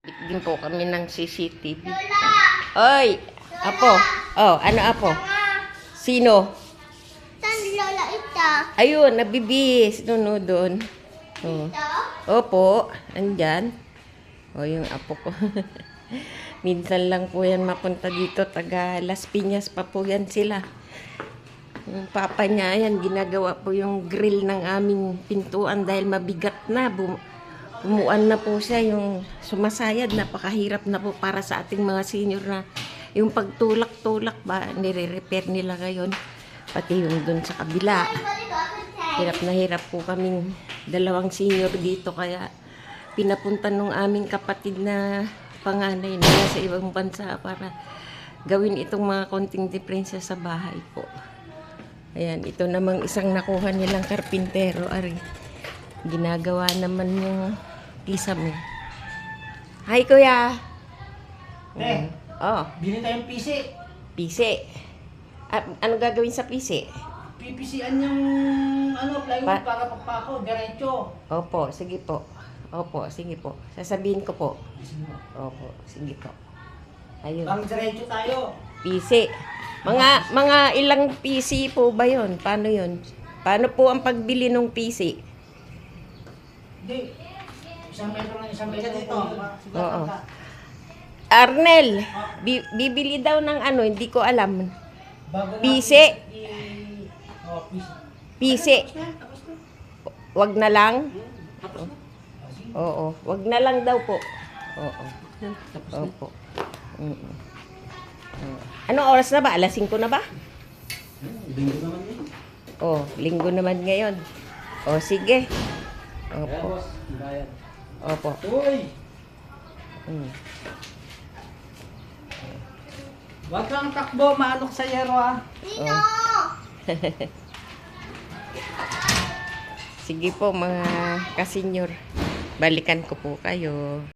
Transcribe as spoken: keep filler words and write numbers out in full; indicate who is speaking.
Speaker 1: Din po kami ng C C T V. Oy! Apo! Oh, ano apo? Sino?
Speaker 2: Saan lola ito?
Speaker 1: Ayun, nabibis. Doon, no, doon. Oh.
Speaker 2: Ito?
Speaker 1: Opo, andyan. O, yung apo ko. Minsan lang po yan mapunta dito. Taga Las Piñas pa po yan sila. Yung papa niya, yan, ginagawa po yung grill ng aming pintuan dahil mabigat na. Bum Umuan na po siya, yung sumasayad, napakahirap na po para sa ating mga senior na yung pagtulak-tulak ba, nire-repair nila ngayon. Pati yung dun sa kabila. Hirap na hirap po kaming dalawang senior dito, kaya pinapunta nung aming kapatid na panganay na sa ibang bansa para gawin itong mga konting diferensya sa bahay po. Ayan, ito namang isang nakuha nilang karpintero, ari. Ginagawa naman yung kisame. Hi, kuya.
Speaker 3: Eh,
Speaker 1: Oh,
Speaker 3: bili tayong P C.
Speaker 1: pisi. Ah, ano gagawin sa pisi?
Speaker 3: P P C-an yung ano, plywood
Speaker 1: Pa-
Speaker 3: para pagpako, diretso.
Speaker 1: Opo, sige po. Opo, sige po. Sasabihin ko po. Opo, sige po. Ayun.
Speaker 3: Pang diretso tayo.
Speaker 1: Pisi. Mga mga ilang P C po ba 'yon? Paano 'yon? Paano po ang pagbili ng P C?
Speaker 3: Hindi. Isang metro ng isang metro dito.
Speaker 1: Oo. Arnel, bi- bibili daw ng ano, hindi ko alam.
Speaker 3: Bago
Speaker 1: P C.
Speaker 3: natin i- Oh, P C.
Speaker 1: P C.
Speaker 3: Tapos na, tapos na.
Speaker 1: Wag na lang.
Speaker 3: Tapos na. Ah, sige.
Speaker 1: Oo, wag na lang daw po. Oo.
Speaker 3: Tapos na.
Speaker 1: Opo. Mm-mm. Oo. Anong oras na ba? Alas singko na ba?
Speaker 3: Linggo naman yun.
Speaker 1: Oh, linggo naman ngayon. Oh, sige.
Speaker 3: Kaya
Speaker 1: Opo.
Speaker 3: boss, bayad.
Speaker 1: Opo.
Speaker 3: Uy!
Speaker 1: Mm.
Speaker 3: Huwag kang takbo, maanok sa yero ah.
Speaker 2: Sino?
Speaker 1: Sige po mga kasenyor. Balikan ko po kayo.